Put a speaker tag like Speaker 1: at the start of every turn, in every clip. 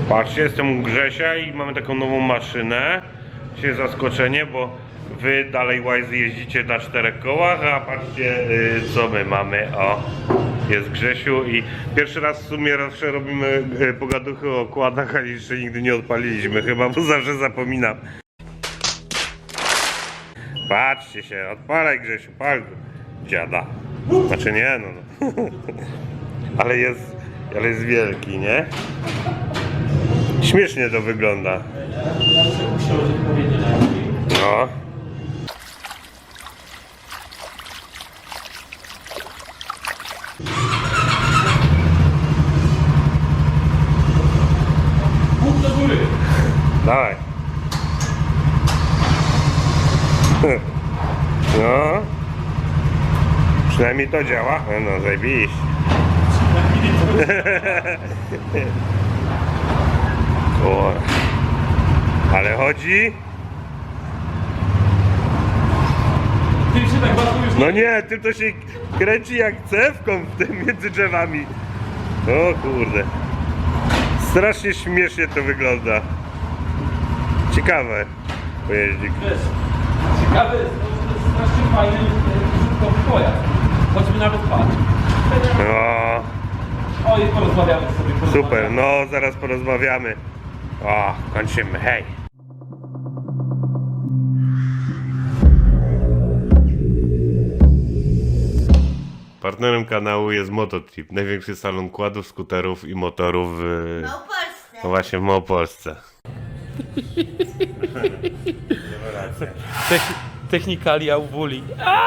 Speaker 1: Patrzcie, jestem u Grzesia i mamy taką nową maszynę. Dzisiaj zaskoczenie, bo wy dalej łajzy jeździcie na 4 kołach, a patrzcie co my mamy. O, jest Grzesiu i pierwszy raz w sumie zawsze robimy pogaduchy o okładach, ale jeszcze nigdy nie odpaliliśmy chyba, bo zawsze zapominam. Patrzcie się, odpalaj Grzesiu, pal dziada. Znaczy nie, no. Ale jest wielki, nie? Śmiesznie to wygląda. No.
Speaker 2: Bóg do góry.
Speaker 1: Dawaj. No. Przynajmniej to działa. No zajebiście. Kurwa. Ale chodzi?
Speaker 2: Ty się tak bardzo już
Speaker 1: No nie, tym to się kręci jak cewką w tym między drzewami. O kurde. Strasznie śmiesznie to wygląda. Ciekawe. Pojeździk.
Speaker 2: wiesz. Ciekawe jest, to jest strasznie fajny użytkowy pojazd. Choćby nawet patrz.
Speaker 1: No.
Speaker 2: O, i porozmawiamy sobie.
Speaker 1: Super, no zaraz porozmawiamy. O, kończymy, hej. Partnerem kanału jest Mototrip, największy salon kładów, skuterów i motorów w
Speaker 3: Małopolsce.
Speaker 1: no właśnie w Małopolsce.
Speaker 2: Technikalia u Wuli.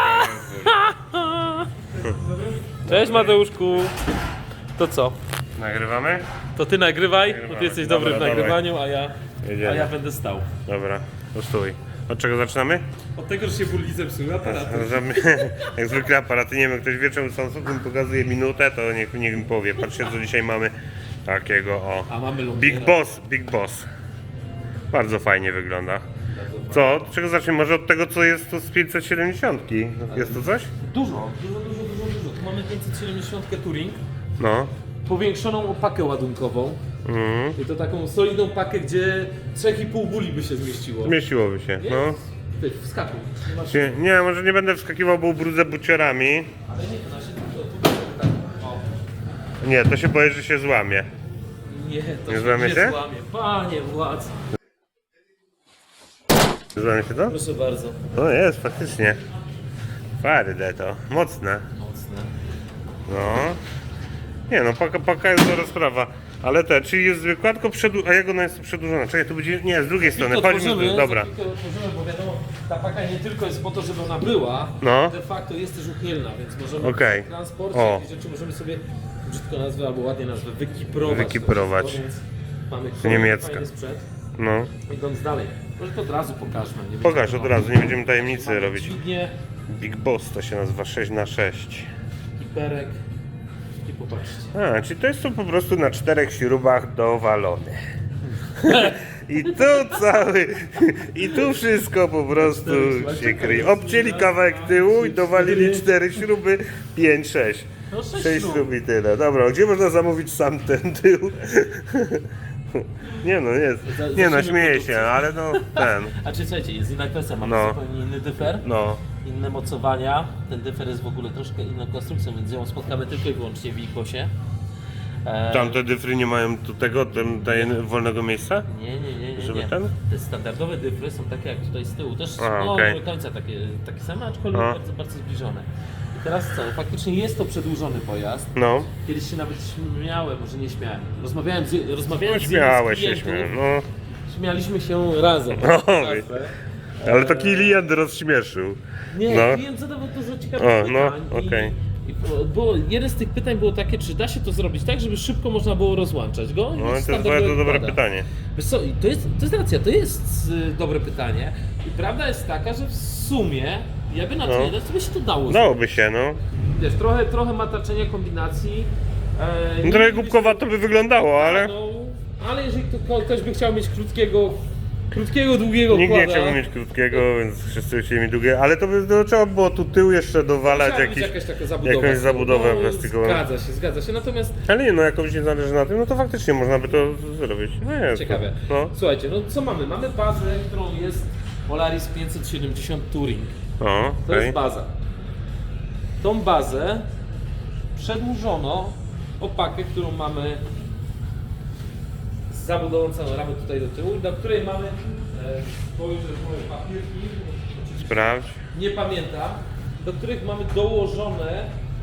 Speaker 2: Cześć Mateuszku. To co?
Speaker 1: Nagrywamy?
Speaker 2: To ty nagrywaj, bo
Speaker 1: Nagrywamy.
Speaker 2: ty jesteś
Speaker 1: Dobra,
Speaker 2: dobry w nagrywaniu, a
Speaker 1: Jedziemy.
Speaker 2: ja będę stał.
Speaker 1: Dobra, to stój. Od czego zaczynamy?
Speaker 2: Od tego, że się Wuli zepsuły aparaty.
Speaker 1: Jak zwykle aparaty, nie wiem, ktoś wieczorem Samsungiem pokazuje minutę, to niech mi powie. Patrzcie, co dzisiaj mamy takiego, o.
Speaker 2: A mamy Lumira.
Speaker 1: Big Boss. Bardzo fajnie wygląda. Co? Od czego zaczniemy? Może od tego, co jest tu z 570? Jest to coś?
Speaker 2: Dużo. Tu mamy 570 Touring,
Speaker 1: No.
Speaker 2: powiększoną opakę ładunkową. I to taką solidną pakę, gdzie 3,5 buli by się zmieściło.
Speaker 1: Zmieściłoby się, no.
Speaker 2: Ty, wskakuj. Nie masz...
Speaker 1: Nie, może nie będę wskakiwał, bo ubrudzę buciorami.
Speaker 2: Ale nie, to nasze to tak. O.
Speaker 1: Nie, to się boję, że się złamie.
Speaker 2: Nie, to
Speaker 1: Nie
Speaker 2: się
Speaker 1: złamie
Speaker 2: nie
Speaker 1: się?
Speaker 2: złamie. Panie władz.
Speaker 1: Złamie się to?
Speaker 2: Proszę bardzo.
Speaker 1: No jest, faktycznie. Twarde to, mocne.
Speaker 2: Mocne.
Speaker 1: No. Nie no, paka jest dobra sprawa. Ale czyli jest zwykła, tylko a jak ona jest przedłużona? Czekaj, to będzie, nie, z drugiej strony, chodźmy, dobra.
Speaker 2: Otworzymy, bo wiadomo, ta paka nie tylko jest po to, żeby ona była,
Speaker 1: No.
Speaker 2: de facto jest też uchylna, więc możemy
Speaker 1: Okej.
Speaker 2: w transporcie
Speaker 1: O.
Speaker 2: jakieś rzeczy możemy sobie, brzydko nazwę albo ładnie nazwę, wykiprować.
Speaker 1: Wykiprować.
Speaker 2: Więc mamy
Speaker 1: Niemiecka.
Speaker 2: fajny sprzęt.
Speaker 1: No.
Speaker 2: Idąc dalej, może to od razu pokażmy. Nie
Speaker 1: Pokaż
Speaker 2: będziemy-
Speaker 1: od razu, nie będziemy tajemnicy
Speaker 2: Mamy
Speaker 1: robić.
Speaker 2: dźwignię,
Speaker 1: Big Boss to się nazywa 6x6.
Speaker 2: kiperek i popatrzcie.
Speaker 1: A, czyli to jest to po prostu na 4 śrubach dowalone. I tu i tu wszystko po prostu się kryje. Obcięli kawałek tyłu i dowalili 4 śruby, 5, 6.
Speaker 2: No 6
Speaker 1: 6 śrub i tyle. Dobra, gdzie można zamówić sam ten tył? Nie no, jest. Nie no, śmieję się, ale no ten.
Speaker 2: A czy słuchajcie, jest inna kwestia, mamy
Speaker 1: No.
Speaker 2: zupełnie inny dyfer,
Speaker 1: No.
Speaker 2: inne mocowania. Ten dyfer jest w ogóle troszkę inną konstrukcją, więc ją spotkamy tylko i wyłącznie w Ikosie.
Speaker 1: Tamte dyfry nie mają tu tego, wolnego miejsca?
Speaker 2: Nie.
Speaker 1: Żeby ten?
Speaker 2: Te standardowe dyfry są takie jak tutaj z tyłu, też
Speaker 1: A,
Speaker 2: no,
Speaker 1: okej.
Speaker 2: nie do końca takie same, aczkolwiek
Speaker 1: A.
Speaker 2: bardzo zbliżone. I teraz co, faktycznie jest to przedłużony pojazd.
Speaker 1: No.
Speaker 2: Kiedyś się nawet śmiałem, może nie śmiałem. Rozmawiałem z jednym
Speaker 1: Śmiałeś
Speaker 2: z
Speaker 1: się,
Speaker 2: klientów,
Speaker 1: no.
Speaker 2: śmialiśmy się razem.
Speaker 1: No,
Speaker 2: Kafę.
Speaker 1: Ale to klient rozśmieszył.
Speaker 2: Nie,
Speaker 1: No.
Speaker 2: klient zadawał dużo ciekawych
Speaker 1: O,
Speaker 2: pytań.
Speaker 1: no, okej.
Speaker 2: Jeden z tych pytań było takie, czy da się to zrobić tak, żeby szybko można było rozłączać go?
Speaker 1: No to jest bardzo dobre pytanie.
Speaker 2: Wiesz co, i to jest racja, to jest dobre pytanie. I prawda jest taka, że w sumie, jakby na to
Speaker 1: No.
Speaker 2: nie dać, to by się to dało zrobić.
Speaker 1: Dałoby się, no.
Speaker 2: Wiesz, trochę mataczenia kombinacji.
Speaker 1: No
Speaker 2: nie
Speaker 1: trochę
Speaker 2: mielibyśmy-
Speaker 1: głupkowato by wyglądało, ale...
Speaker 2: No, ale jeżeli ktoś by chciał mieć krótkiego Krótkiego, długiego
Speaker 1: Nikt nie
Speaker 2: kłada.
Speaker 1: chciałby mieć krótkiego, więc wszyscy chcieli mieć długie, ale to trzeba było tu tył jeszcze dowalać
Speaker 2: Musiała być
Speaker 1: jakiś,
Speaker 2: jakaś taka zabudowa.
Speaker 1: jakąś zabudowę
Speaker 2: No,
Speaker 1: plastikową.
Speaker 2: Zgadza się. Natomiast
Speaker 1: Ale nie, no jak komuś nie zależy na tym, no to faktycznie można by to zrobić. No jest.
Speaker 2: ciekawe.
Speaker 1: No.
Speaker 2: Słuchajcie, no co mamy? Mamy bazę, którą jest Polaris 570 Touring.
Speaker 1: O,
Speaker 2: To
Speaker 1: okej.
Speaker 2: jest baza. Tą bazę przedłużono o pakę, którą mamy z zabudową całą ramę tutaj do tyłu, do której mamy spojrzę moje papierki,
Speaker 1: Sprawdź.
Speaker 2: nie pamiętam, do których mamy dołożone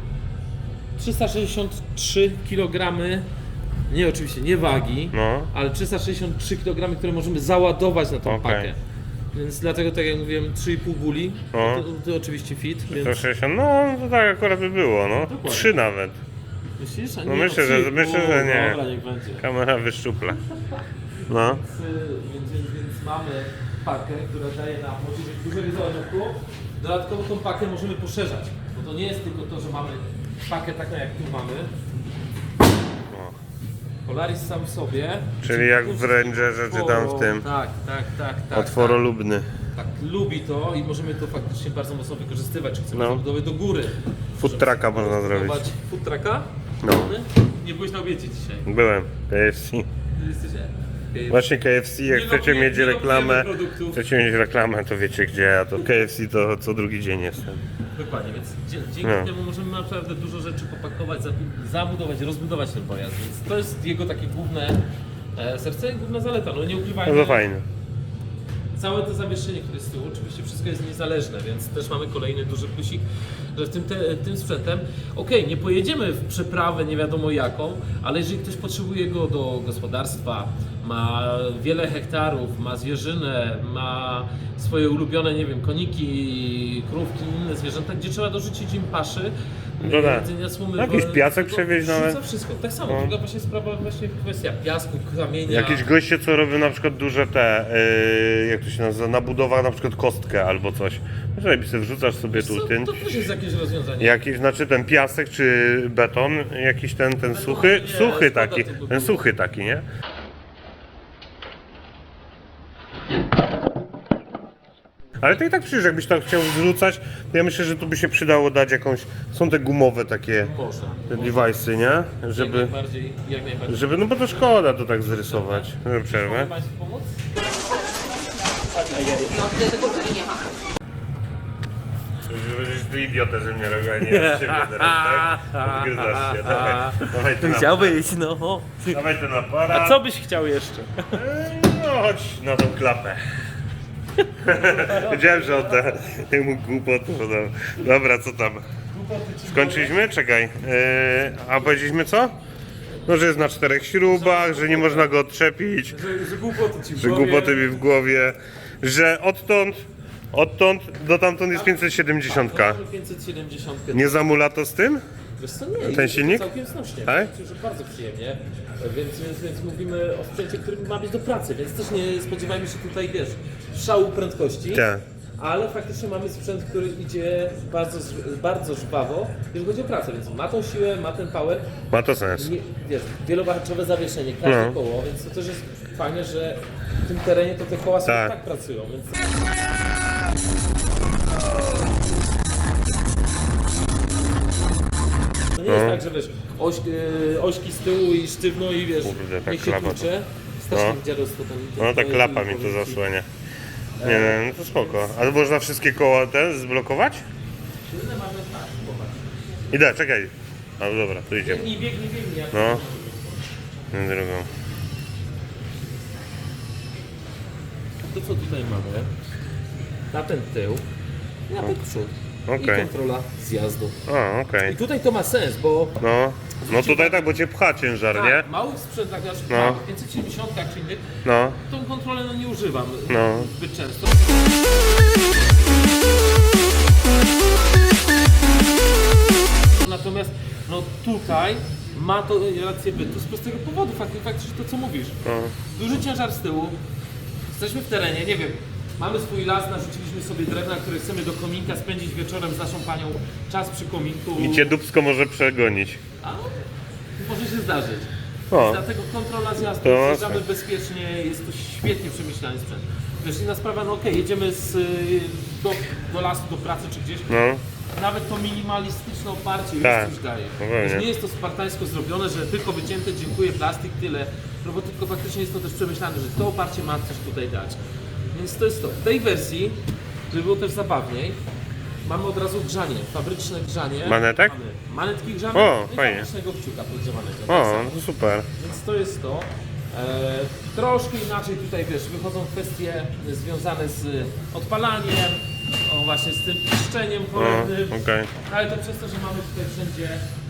Speaker 2: 363 kg, nie oczywiście nie wagi,
Speaker 1: No.
Speaker 2: ale 363 kg, które możemy załadować na tą
Speaker 1: Okej.
Speaker 2: pakę. Więc dlatego, tak jak mówiłem, 3,5 buli,
Speaker 1: No.
Speaker 2: to oczywiście fit, więc
Speaker 1: 160, no to tak akurat by było, no.
Speaker 2: Dokładnie.
Speaker 1: 3 nawet.
Speaker 2: myślisz? A
Speaker 1: No
Speaker 2: nie,
Speaker 1: myślę, że
Speaker 2: 3,5,
Speaker 1: nie.
Speaker 2: Dobra, niech będzie.
Speaker 1: Kamera wyszczupla. No.
Speaker 2: Więc mamy pakę, która daje nam możliwość dużego załadunku. Dodatkowo tą pakę możemy poszerzać, bo to nie jest tylko to, że mamy pakę taką jak tu mamy. Polaris sam w sobie.
Speaker 1: Czyli jak w Rangerze czy tam w tym.
Speaker 2: Tak.
Speaker 1: Otworolubny.
Speaker 2: Tak, lubi to i możemy to faktycznie bardzo mocno wykorzystywać. Czy chcemy
Speaker 1: No.
Speaker 2: zabudowy do góry.
Speaker 1: Food trucka można zrobić.
Speaker 2: Food trucka?
Speaker 1: No.
Speaker 2: Nie byłeś na obiecie dzisiaj.
Speaker 1: Byłem. KFC.
Speaker 2: Jesteście?
Speaker 1: Właśnie KFC, jak
Speaker 2: Nie
Speaker 1: chcecie
Speaker 2: lobujemy-
Speaker 1: mieć
Speaker 2: nie
Speaker 1: reklamę,
Speaker 2: lobujemy produktów.
Speaker 1: chcecie mieć reklamę, to wiecie gdzie, a to KFC to co drugi dzień jestem.
Speaker 2: Dokładnie, więc dzięki
Speaker 1: No.
Speaker 2: temu możemy naprawdę dużo rzeczy popakować, zabudować, rozbudować ten pojazd, więc to jest jego takie główne serce i główna zaleta, no nie
Speaker 1: No
Speaker 2: ukrywajmy.
Speaker 1: to fajne.
Speaker 2: Całe to zawieszenie, które jest z tyłu, oczywiście wszystko jest niezależne, więc też mamy kolejny duży plusik, że tym sprzętem, okej, nie pojedziemy w przeprawę nie wiadomo jaką, ale jeżeli ktoś potrzebuje go do gospodarstwa, ma wiele hektarów, ma zwierzynę, ma swoje ulubione, nie wiem, koniki, krówki, inne zwierzęta, gdzie trzeba dorzucić im paszy,
Speaker 1: No tak.
Speaker 2: jedzenia słomy,
Speaker 1: Jakiś piasek
Speaker 2: to
Speaker 1: przewieźć
Speaker 2: wrzuca
Speaker 1: nawet.
Speaker 2: wszystko, tak samo,
Speaker 1: No.
Speaker 2: druga właśnie sprawa, właśnie kwestia piasku, kamienia.
Speaker 1: Jakieś goście, co robią na przykład duże te, jak to się nazywa, na budowach na przykład kostkę albo coś. Może sobie wrzucasz sobie tu
Speaker 2: Co,
Speaker 1: ten,
Speaker 2: to też jest jakieś rozwiązanie.
Speaker 1: jakiś, znaczy ten piasek czy beton, jakiś ten suchy,
Speaker 2: nie,
Speaker 1: suchy
Speaker 2: szkoda
Speaker 1: taki,
Speaker 2: tego
Speaker 1: ten suchy taki, nie? Ale to i tak przecież jakbyś tak chciał wrzucać, to ja myślę, że tu by się przydało dać jakąś, są te gumowe takie
Speaker 2: Można.
Speaker 1: te device'y, nie? Żeby,
Speaker 2: Jak najbardziej.
Speaker 1: żeby, no bo to szkoda to tak zrysować. Przerwę.
Speaker 2: Mogę Państwu pomóc?
Speaker 3: No, tego tu nie ma.
Speaker 1: Będziesz tu idiotę ze mnie robił, a nie z ciebie teraz, tak? Odgryzasz się, dawaj tu
Speaker 2: Chciałbyś, no.
Speaker 1: dawaj ten aparat.
Speaker 2: A co byś chciał jeszcze?
Speaker 1: No chodź na tą klapę. Wiedziałem, że odda temu głupotu. Dobra, co tam? Skończyliśmy? Czekaj. A powiedzieliśmy co? No, że jest na 4 śrubach, że nie można go odczepić,
Speaker 2: Że głupoty ci w
Speaker 1: że
Speaker 2: głowie.
Speaker 1: głupoty mi w głowie, że odtąd do tamtąd jest 570.
Speaker 2: 570.
Speaker 1: Nie zamula to z tym?
Speaker 2: Wiesz co, nie,
Speaker 1: Ten
Speaker 2: jest
Speaker 1: silnik?
Speaker 2: całkiem znośnie.
Speaker 1: Tak?
Speaker 2: Myślę, że bardzo przyjemnie. Więc mówimy o sprzęcie, który ma być do pracy, więc też nie spodziewajmy się tutaj, wiesz, szału prędkości.
Speaker 1: Tak.
Speaker 2: Ale faktycznie mamy sprzęt, który idzie bardzo żwawo, jeżeli chodzi o pracę, więc ma tą siłę, ma ten power.
Speaker 1: Ma to sens.
Speaker 2: Nie, wiesz, wielowarstwowe zawieszenie, każde
Speaker 1: No.
Speaker 2: koło, więc to też jest fajne, że w tym terenie to te koła sobie
Speaker 1: Tak.
Speaker 2: tak pracują, więc... To nie jest tak, że wiesz, ośki z tyłu i sztywno i wiesz,
Speaker 1: Kurde, tak
Speaker 2: niech się
Speaker 1: klapa to.
Speaker 2: tłucze. Strasznie
Speaker 1: No.
Speaker 2: dziadostwo tam.
Speaker 1: No ta klapa mi to zasłania. Nie, no to spoko. Ale można wszystkie koła te zblokować?
Speaker 2: Tylne mamy tak, popatrz.
Speaker 1: Idę, czekaj. No dobra, tu idziemy.
Speaker 2: Biegnij, jak
Speaker 1: No. Na drugą.
Speaker 2: To co tutaj mamy, na ten tył i na ten przód.
Speaker 1: Okej.
Speaker 2: I kontrola zjazdu.
Speaker 1: A, okej.
Speaker 2: I tutaj to ma sens, bo
Speaker 1: No. No tutaj tak, bo cię pcha ciężar, nie?
Speaker 2: tak, małych sprzętach, jak
Speaker 1: No.
Speaker 2: no. 570 czy innych,
Speaker 1: No.
Speaker 2: tą kontrolę no, nie używam
Speaker 1: No.
Speaker 2: zbyt często. Natomiast no tutaj ma to rację bytu z prostego powodu, faktycznie to co mówisz.
Speaker 1: No.
Speaker 2: Duży ciężar z tyłu, jesteśmy w terenie, nie wiem, mamy swój las, narzuciliśmy sobie drewna, które chcemy do kominka spędzić wieczorem z naszą panią czas przy kominku.
Speaker 1: I cię dupsko może przegonić.
Speaker 2: A, może się zdarzyć.
Speaker 1: O.
Speaker 2: Dlatego kontrola zjazdu,
Speaker 1: To
Speaker 2: zjeżdżamy
Speaker 1: mocno.
Speaker 2: bezpiecznie, jest to świetnie przemyślany sprzęt. Wiesz, inna sprawa, no okej, jedziemy do lasu, do pracy czy gdzieś,
Speaker 1: No,
Speaker 2: nawet to minimalistyczne oparcie
Speaker 1: Tak,
Speaker 2: już daje.
Speaker 1: no pewnie.
Speaker 2: Wiesz, nie jest to spartańsko zrobione, że tylko wycięte, dziękuję, plastik, tyle. No bo tylko faktycznie jest to też przemyślane, że to oparcie ma coś tutaj dać. Więc to jest to. W tej wersji, żeby było też zabawniej, mamy od razu grzanie, fabryczne grzanie.
Speaker 1: Manetek?
Speaker 2: Mamy manetki grzane
Speaker 1: O,
Speaker 2: i
Speaker 1: fajnie.
Speaker 2: fabrycznego kciuka podgrzewanego. Tak
Speaker 1: o,
Speaker 2: samo.
Speaker 1: to super.
Speaker 2: Więc to jest to. Troszkę inaczej tutaj, wiesz, wychodzą kwestie związane z odpalaniem, o właśnie z tym piszczeniem cholernym.
Speaker 1: Okej.
Speaker 2: Ale to przez to, że mamy tutaj wszędzie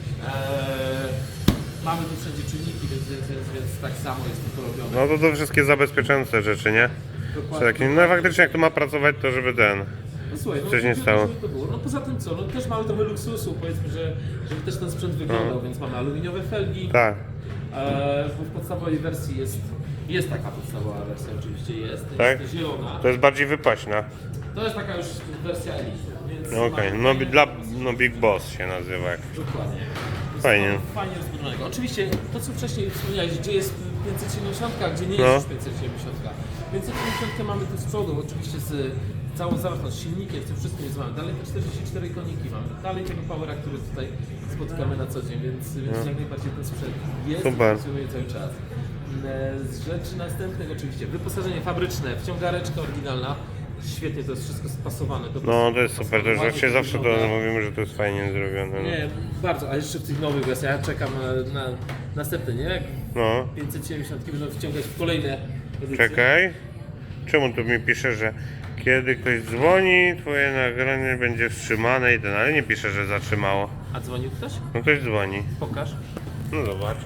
Speaker 2: mamy tu wszędzie czynniki, więc tak samo jest to porobione.
Speaker 1: No to wszystkie zabezpieczające rzeczy, nie? Czy takie, no faktycznie jak to ma pracować, to żeby ten...
Speaker 2: No słuchaj,
Speaker 1: coś nie
Speaker 2: żeby
Speaker 1: stało.
Speaker 2: to było. No poza tym co, no też mamy trochę luksusu, powiedzmy, żeby też ten sprzęt wyglądał, więc mamy aluminiowe felgi.
Speaker 1: Tak.
Speaker 2: Bo w podstawowej wersji jest taka podstawowa wersja, oczywiście jest
Speaker 1: Tak?
Speaker 2: zielona.
Speaker 1: To jest bardziej wypaśna.
Speaker 2: To jest taka już wersja Elite, więc
Speaker 1: No okej,
Speaker 2: mamy
Speaker 1: no,
Speaker 2: fajne-
Speaker 1: no Big Boss się nazywa jak.
Speaker 2: Dokładnie.
Speaker 1: Fajnie.
Speaker 2: Jest to fajnie rozbudzonego. Oczywiście to co wcześniej wspomniałeś, gdzie jest 570, a gdzie nie
Speaker 1: No.
Speaker 2: jest już 570. 570 mamy tu z przodu, oczywiście z całą zawartość silnikiem, z tym wszystkim jest mamy. Dalej te 44 koniki mamy. Dalej tego powera, który tutaj spotykamy na co dzień, więc jak najbardziej ten sprzęt jest i
Speaker 1: Super.
Speaker 2: funkcjonuje cały czas. Z rzeczy następnych oczywiście wyposażenie fabryczne, wciągareczka oryginalna. Świetnie to jest wszystko spasowane.
Speaker 1: No to jest super, to już
Speaker 2: ładnie
Speaker 1: właśnie zawsze to
Speaker 2: wygląda.
Speaker 1: mówimy, że to jest fajnie zrobione. No.
Speaker 2: Nie, bardzo, a jeszcze w tych nowych wersjach, ja czekam na następne, nie? Jak
Speaker 1: No,
Speaker 2: 570 będą wciągać w kolejne edycje.
Speaker 1: czekaj. Czemu tu mi pisze, że kiedy ktoś dzwoni, twoje nagranie będzie wstrzymane i ten, ale nie pisze, że zatrzymało.
Speaker 2: A dzwonił ktoś?
Speaker 1: No ktoś dzwoni.
Speaker 2: Pokaż.
Speaker 1: No zobacz.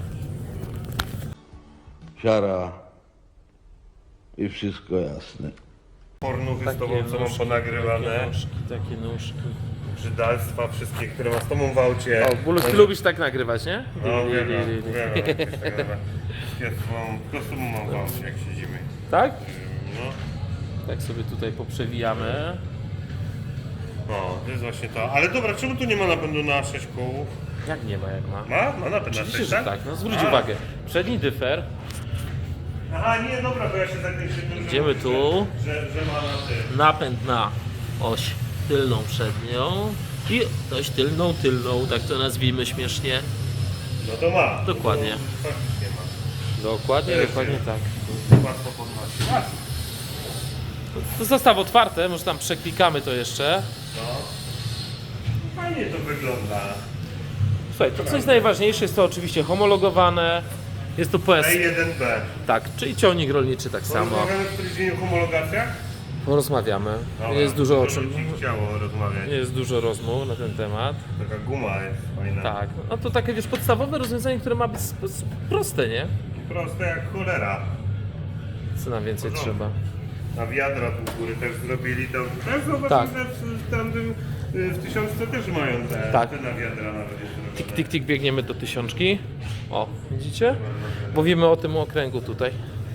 Speaker 4: Siara i wszystko jasne.
Speaker 1: Pornuchy z tobą, co mam ponagrywane.
Speaker 2: Takie nóżki.
Speaker 1: Brzydalstwa wszystkie, które ma z tobą w aucie.
Speaker 2: O, Bólus, ty lubisz tak nagrywać, nie?
Speaker 1: No wiem, wiem. Tylko z tobą mam w aucie, jak siedzimy.
Speaker 2: Tak?
Speaker 1: No.
Speaker 2: Tak sobie tutaj poprzewijamy.
Speaker 1: No, to jest właśnie to. Ale dobra, czemu tu nie ma napędu na 6 kół?
Speaker 2: Jak nie ma, jak ma.
Speaker 1: Ma napęd na 6,
Speaker 2: Oczywiście, że tak, no zwróć
Speaker 1: A.
Speaker 2: uwagę. Przedni dyfer,
Speaker 1: Aha, nie, dobra, bo ja się zakręciłem.
Speaker 2: Idziemy tu.
Speaker 1: Że ma na tym.
Speaker 2: napęd na oś tylną przednią i oś tylną, tak to nazwijmy śmiesznie.
Speaker 1: No to ma.
Speaker 2: Dokładnie.
Speaker 1: To faktycznie ma.
Speaker 2: Dokładnie,
Speaker 1: Też
Speaker 2: dokładnie
Speaker 1: jest.
Speaker 2: tak.
Speaker 1: Łatwo podnosić.
Speaker 2: To zostaw otwarte, może tam przeklikamy to jeszcze.
Speaker 1: No. Fajnie to wygląda.
Speaker 2: Słuchaj, to co jest najważniejsze, jest to oczywiście homologowane. Jest to PS,
Speaker 1: E1B.
Speaker 2: tak, czyli ciągnik rolniczy tak samo.
Speaker 1: Rozmawiamy w którymś dzień o homologacjach?
Speaker 2: Porozmawiamy.
Speaker 1: Dobra,
Speaker 2: Jest dużo o
Speaker 1: to
Speaker 2: czym.
Speaker 1: by ci chciało rozmawiać.
Speaker 2: Jest dużo rozmów na ten temat.
Speaker 1: Taka guma jest fajna.
Speaker 2: Tak, no to takie wiesz, podstawowe rozwiązanie, które ma być proste, nie?
Speaker 1: Proste jak cholera.
Speaker 2: Co nam więcej trzeba?
Speaker 1: Na wiadra tu góry też zrobili to. Też zobacz,
Speaker 2: Tak.
Speaker 1: że w tamtym w 1000 też mają
Speaker 2: Tak.
Speaker 1: te na wiadra nawet jest zrobione.
Speaker 2: Tik, tik, tik, biegniemy do 1000. O, widzicie? Mówimy o tym okręgu tutaj.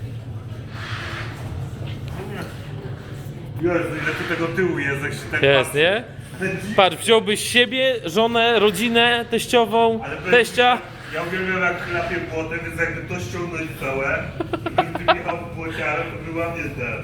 Speaker 1: Jezu, ile tu tego tyłu jest, jak się tak
Speaker 2: Jest,
Speaker 1: patrzy.
Speaker 2: nie? Patrz, wziąłbyś siebie, żonę, rodzinę, teściową,
Speaker 1: Ale powiem
Speaker 2: teścia.
Speaker 1: ci, ja uwielbiam jak chlapie błotem, więc jakby to ściągnąć całe, gdybym tym jechał w błociarę, to była mnie ten.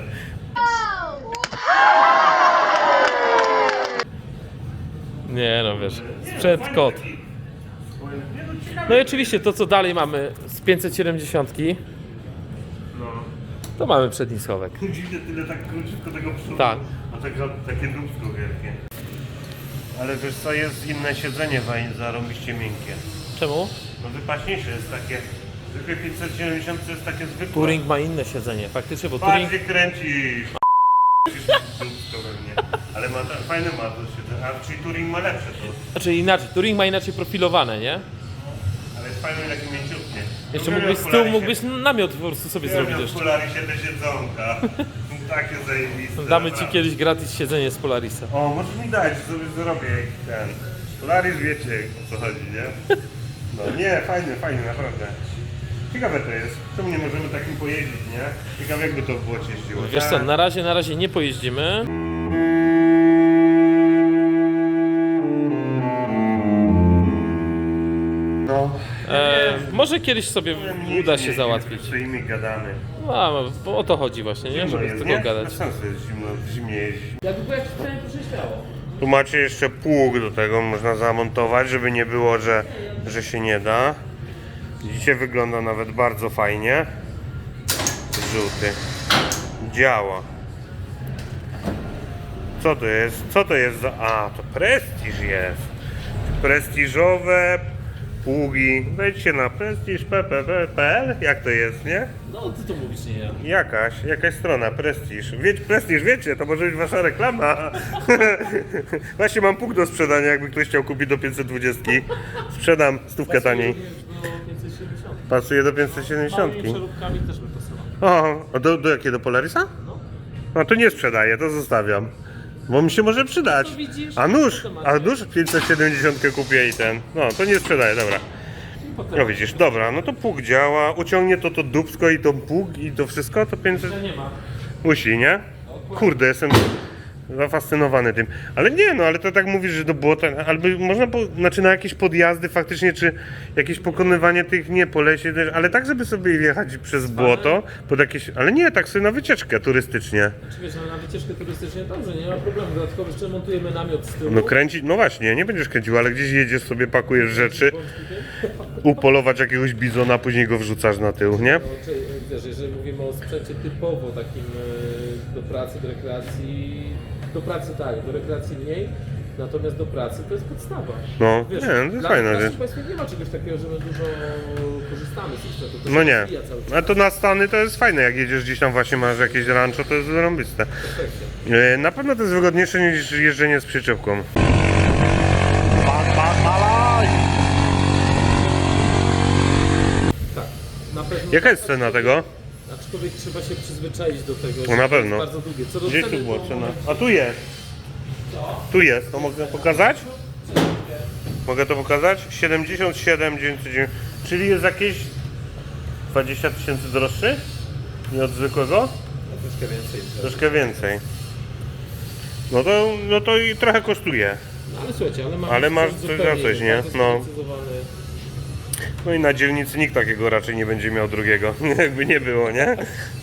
Speaker 2: Nie no, wiesz, sprzęt kot.
Speaker 1: Nie no, ciekawe.
Speaker 2: No i oczywiście to, co dalej mamy z 570,
Speaker 1: No.
Speaker 2: to mamy przedni schowek.
Speaker 1: Dziwne tyle tak króciutko tego przodu,
Speaker 2: Tak.
Speaker 1: a takie dupsko wielkie. Ale wiesz co, jest inne siedzenie zarąbiście miękkie.
Speaker 2: Czemu?
Speaker 1: No wypaśniejsze jest takie, zwykłe 570 to jest takie zwykłe.
Speaker 2: Touring ma inne siedzenie, faktycznie, bo Touring...
Speaker 1: Bardziej kręcisz. Dupsko pewnie. Ale ma fajne ma to siedzenie, a czyli Touring ma lepsze to.
Speaker 2: Znaczy inaczej, Touring ma inaczej profilowane, nie?
Speaker 1: Ale jest fajne takie mięciutkie.
Speaker 2: Jeszcze
Speaker 1: Lubię
Speaker 2: mógłbyś z tyłu
Speaker 1: Polarisie.
Speaker 2: mógłbyś namiot po prostu sobie zrobić jeszcze.
Speaker 1: Polarisie te siedzonka. Takie zajebiste.
Speaker 2: Damy ci
Speaker 1: naprawdę.
Speaker 2: kiedyś gratis siedzenie z Polarisa.
Speaker 1: O, możesz mi dać, sobie zrobię ten. Polaris wiecie o co chodzi, nie? No nie, fajny, naprawdę. Ciekawe to jest. Czemu nie możemy takim pojeździć, nie? Ciekawe jakby to w błocie jeździło.
Speaker 2: Wiesz co, na razie nie pojeździmy.
Speaker 1: No.
Speaker 2: Może kiedyś sobie uda się załatwić.
Speaker 1: Stoimy, gadamy.
Speaker 2: No, bo o to chodzi właśnie, nie?
Speaker 1: Zimno
Speaker 2: Żeby z
Speaker 1: jest,
Speaker 2: tego
Speaker 1: nie?
Speaker 2: gadać.
Speaker 1: Bez sensu jest zimno, w zimnie jeździć.
Speaker 2: Jakby było jakieś pytanie, proszę śmiało.
Speaker 1: Tu macie jeszcze pług do tego, można zamontować, żeby nie było, że się nie da. Widzicie, wygląda nawet bardzo fajnie. Żółty. Działa. Co to jest? Co to jest za... A, to prestiż jest. Prestiżowe pługi. Wejdźcie na prestiż.pl. Jak to jest, nie?
Speaker 2: No, ty to mówisz, nie ja.
Speaker 1: Jakaś strona, Prestiż. Prestiż, wiecie, to może być wasza reklama. Właśnie mam pług do sprzedania, jakby ktoś chciał kupić do 520. Sprzedam stówkę taniej.
Speaker 2: Do 570.
Speaker 1: Pasuje do 570.
Speaker 2: Małymi przeróbkami też by pasował.
Speaker 1: O, a do jakiego? Do Polarisa? No to nie sprzedaję, to zostawiam. Bo mi się może przydać.
Speaker 2: No widzisz,
Speaker 1: A nóż 570 kupię i ten. No, to nie sprzedaję, dobra. No widzisz, dobra, no to pług działa. Uciągnie to dupsko i to pług i to wszystko, to 500...
Speaker 2: To nie ma.
Speaker 1: Musi, nie? Kurde, jestem zafascynowany tym. Ale nie, no ale to tak mówisz, że do błota, albo można, znaczy na jakieś podjazdy faktycznie, czy jakieś pokonywanie tych, nie, po lesie też, ale tak, żeby sobie jechać przez błoto, pod jakieś, ale nie, tak sobie na wycieczkę turystycznie.
Speaker 2: Czy wiesz, no, na wycieczkę turystycznie dobrze, nie ma problemu. Dodatkowo jeszcze montujemy namiot z tyłu.
Speaker 1: No kręcić, no właśnie, nie będziesz kręcił, ale gdzieś jedziesz sobie, pakujesz rzeczy, upolować jakiegoś bizona, później go wrzucasz na tył, nie?
Speaker 2: No, czy, wiesz, jeżeli mówimy o sprzęcie typowo takim do pracy, do rekreacji, do pracy tak, do rekreacji mniej, natomiast do pracy to jest podstawa.
Speaker 1: No,
Speaker 2: Wiesz,
Speaker 1: nie, to jest
Speaker 2: dla
Speaker 1: fajna
Speaker 2: naszych
Speaker 1: rzecz.
Speaker 2: państwie nie ma czegoś takiego, że my dużo korzystamy z tych sprzętów. To
Speaker 1: No
Speaker 2: się
Speaker 1: nie,
Speaker 2: rozwija cały czas.
Speaker 1: a to na Stany to jest fajne, jak jedziesz gdzieś tam właśnie, masz jakieś rancho, to jest zarąbiste.
Speaker 2: Perfekcie.
Speaker 1: Na pewno to jest wygodniejsze niż jeżdżenie z przyczepką.
Speaker 2: Tak, na pewno.
Speaker 1: Jaka jest cena tego?
Speaker 2: Aczkolwiek trzeba się przyzwyczaić do tego,
Speaker 1: No
Speaker 2: że
Speaker 1: na
Speaker 2: to jest
Speaker 1: pewno.
Speaker 2: bardzo długie. Co do
Speaker 1: Gdzie
Speaker 2: ceny,
Speaker 1: tu była
Speaker 2: to
Speaker 1: cena?
Speaker 2: mamy-
Speaker 1: A tu jest. Tu jest, to mogę pokazać? Mogę to pokazać? 77 909, czyli jest jakieś 20 000 droższy? Nie od zwykłego?
Speaker 2: Troszkę więcej.
Speaker 1: Troszkę więcej. No to i trochę kosztuje.
Speaker 2: No ale słuchajcie, ale mamy
Speaker 1: Ale masz
Speaker 2: sprzęt
Speaker 1: coś za
Speaker 2: zupełnie
Speaker 1: coś,
Speaker 2: inny,
Speaker 1: nie?
Speaker 2: bardzo
Speaker 1: No.
Speaker 2: sprecyzowany.
Speaker 1: No i na dzielnicy nikt takiego raczej nie będzie miał drugiego, jakby nie było, nie?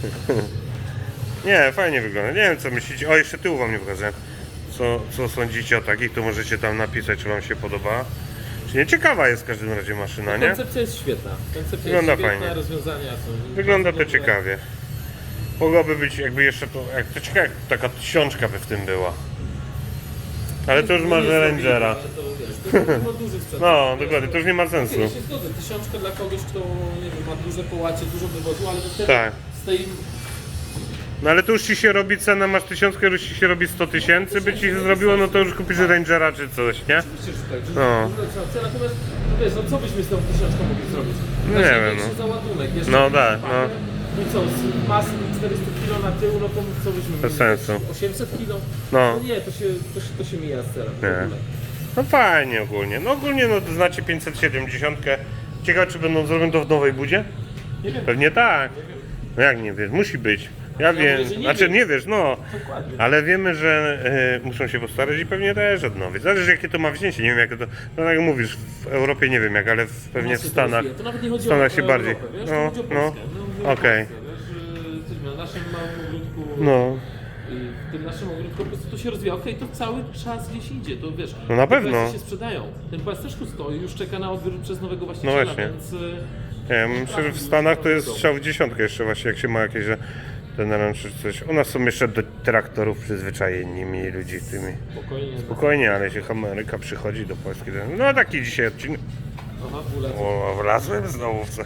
Speaker 1: Nie, fajnie wygląda. Nie wiem co myślicie. O, jeszcze tyłu wam nie pokażę. Co sądzicie o takich, to możecie tam napisać, czy wam się podoba. Czy nie? Ciekawa jest w każdym razie maszyna, nie?
Speaker 2: Koncepcja jest świetna. Koncepcja
Speaker 1: Wygląda
Speaker 2: jest świetna,
Speaker 1: fajnie.
Speaker 2: rozwiązania są
Speaker 1: Wygląda to
Speaker 2: bardzo dobre.
Speaker 1: ciekawie. Mogłaby być jakby jeszcze to, to ciekawe, jak taka tysiączka by w tym była. Ale to już
Speaker 2: Nie
Speaker 1: masz
Speaker 2: jest
Speaker 1: Rangera.
Speaker 2: ale to, wiesz, to ma duży sprzęt.
Speaker 1: No, dokładnie, to już nie ma sensu.
Speaker 2: Ja się zgodzę, tysiączka dla kogoś, kto nie wiem, ma duże połacie, dużo wywozu, ale to wtedy
Speaker 1: Tak.
Speaker 2: z tej...
Speaker 1: No ale to już ci się robi cena, masz 1000, już ci się robi 100 000, by ci się zrobiło, no to już kupisz Rangera czy coś, nie?
Speaker 2: Oczywiście, że tak, że
Speaker 1: No.
Speaker 2: natomiast no wiesz, no co byśmy z tą tysiączką mogli zrobić?
Speaker 1: No nie wiem,
Speaker 2: Większy załadunek, jeszcze
Speaker 1: No tak, no.
Speaker 2: I co, z masy 400 kg na tył, no to co byśmy
Speaker 1: Bez
Speaker 2: mieli?
Speaker 1: sensu.
Speaker 2: 800 kg?
Speaker 1: No.
Speaker 2: Nie, to się mija z celem. w
Speaker 1: Nie.
Speaker 2: ogóle.
Speaker 1: No fajnie ogólnie. No ogólnie no to znacie 570. Ciekawe czy będą zrobione to w nowej budzie?
Speaker 2: Nie wiem.
Speaker 1: Pewnie tak. No jak nie wiesz, musi być. Ja wiem,
Speaker 2: mówię, że nie
Speaker 1: znaczy
Speaker 2: wiem.
Speaker 1: nie wiesz, no.
Speaker 2: Dokładnie.
Speaker 1: Ale wiemy, że muszą się postarać i pewnie też odnowić. Zależy jakie to ma wzięcie, nie wiem jakie to, no tak jak mówisz, w Europie nie wiem jak, ale pewnie w
Speaker 2: Nas się
Speaker 1: Stanach,
Speaker 2: rozwija. To nawet nie chodzi
Speaker 1: w Stanach
Speaker 2: o
Speaker 1: się bardziej,
Speaker 2: Europę, wiesz?
Speaker 1: no,
Speaker 2: To chodzi o
Speaker 1: no,
Speaker 2: Polskę. Mówię o
Speaker 1: okej,
Speaker 2: Polsce, wiesz, że na naszym małym ogródku,
Speaker 1: no,
Speaker 2: w tym naszym ogródku po prostu to się rozwija. Okej, to cały czas gdzieś idzie, to wiesz.
Speaker 1: No na
Speaker 2: te
Speaker 1: pewno.
Speaker 2: kwestie się sprzedają. Ten pojazd też tu stoi, już czeka na odbiór przez nowego właściciela,
Speaker 1: No właśnie.
Speaker 2: więc...
Speaker 1: nie, myślę, że w Stanach to jest strzał w dziesiątkę jeszcze właśnie, jak się ma jakieś, że ten ranch czy coś. U nas są jeszcze do traktorów przyzwyczajeni, mili ludzi tymi.
Speaker 2: Spokojnie.
Speaker 1: Spokojnie, ale jeśli Ameryka przychodzi do Polski, to... no taki dzisiaj odcinek.
Speaker 2: Aha, wulec.
Speaker 1: O, wlazłem znowu w coś.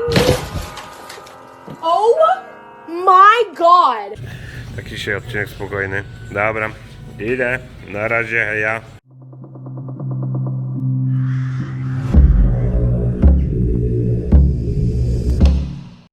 Speaker 3: Oh my god!
Speaker 1: Taki dzisiaj odcinek spokojny. Dobra, idę. Na razie, heja.